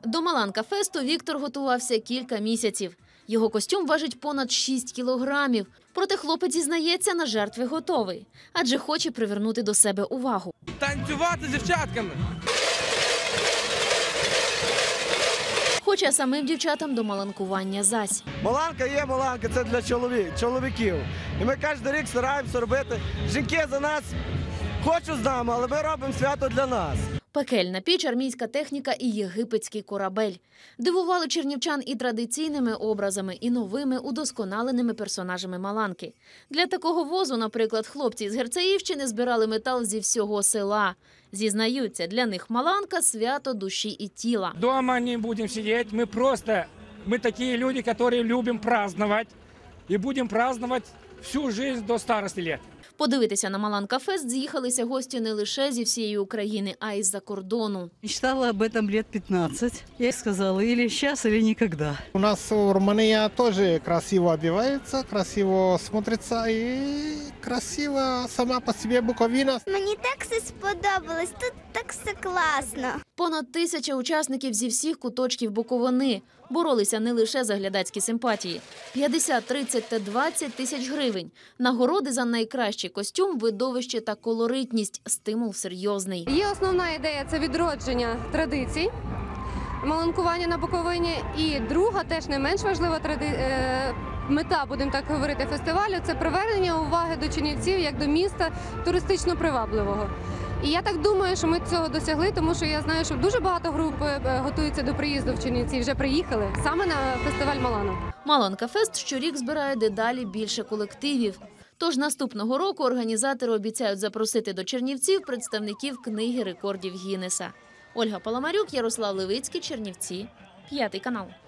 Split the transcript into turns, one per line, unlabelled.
До Маланка-фесту Віктор готувався кілька місяців. Його костюм важить понад 6 кілограмів. Проте хлопець зізнається, на жертви готовий. Адже хоче привернути до себе увагу.
Танцювати з дівчатками.
Хоча самим дівчатам до маланкування зась.
Маланка є маланка, це для чоловіків. І ми кожен рік стараємося робити. Жінки за нас хочуть з нами, але ми робимо свято для нас.
Пекельна піч, армійська техніка і єгипетський корабель. Дивували чернівчан і традиційними образами, і новими удосконаленими персонажами Маланки. Для такого возу, наприклад, хлопці з Герцеївщини збирали метал зі всього села. Зізнаються, для них Маланка – свято душі і тіла.
Дома не будем сидеть, мы такие люди, которые любим праздновать. И будем праздновать всю жизнь до старости лет.
Подивитися на Маланка-фест з'їхалися гості не лише зі всієї України, а й з-за кордону.
Мечтала об этом лет 15. Я сказала, или сейчас, или никогда.
У нас Румыния тоже красиво одевается, красиво смотрится и красиво сама по себе Буковина.
Мені так все сподобалось, тут так все класно.
Понад 1000 учасників зі всіх куточків Буковини. Боролися не лише за глядацькі симпатії. 50, 30 та 20 тисяч гривень. Нагороди за найкращий костюм, видовище та колоритність. Стимул серйозний.
Є основна ідея – це відродження традицій, маланкування на Буковині. І друга, теж не менш важлива мета, будемо так говорити, фестивалю – це привернення уваги до Чернівців як до міста туристично привабливого. І я так думаю, що ми цього досягли, тому що я знаю, що дуже багато груп готуються до приїзду в Чернівці, вже приїхали саме на фестиваль Маланок.
Маланка-фест щорік збирає дедалі більше колективів. Тож наступного року організатори обіцяють запросити до Чернівців представників книги рекордів Гіннеса. Ольга Паламарюк, Ярослав Левицький, Чернівці, 5 канал.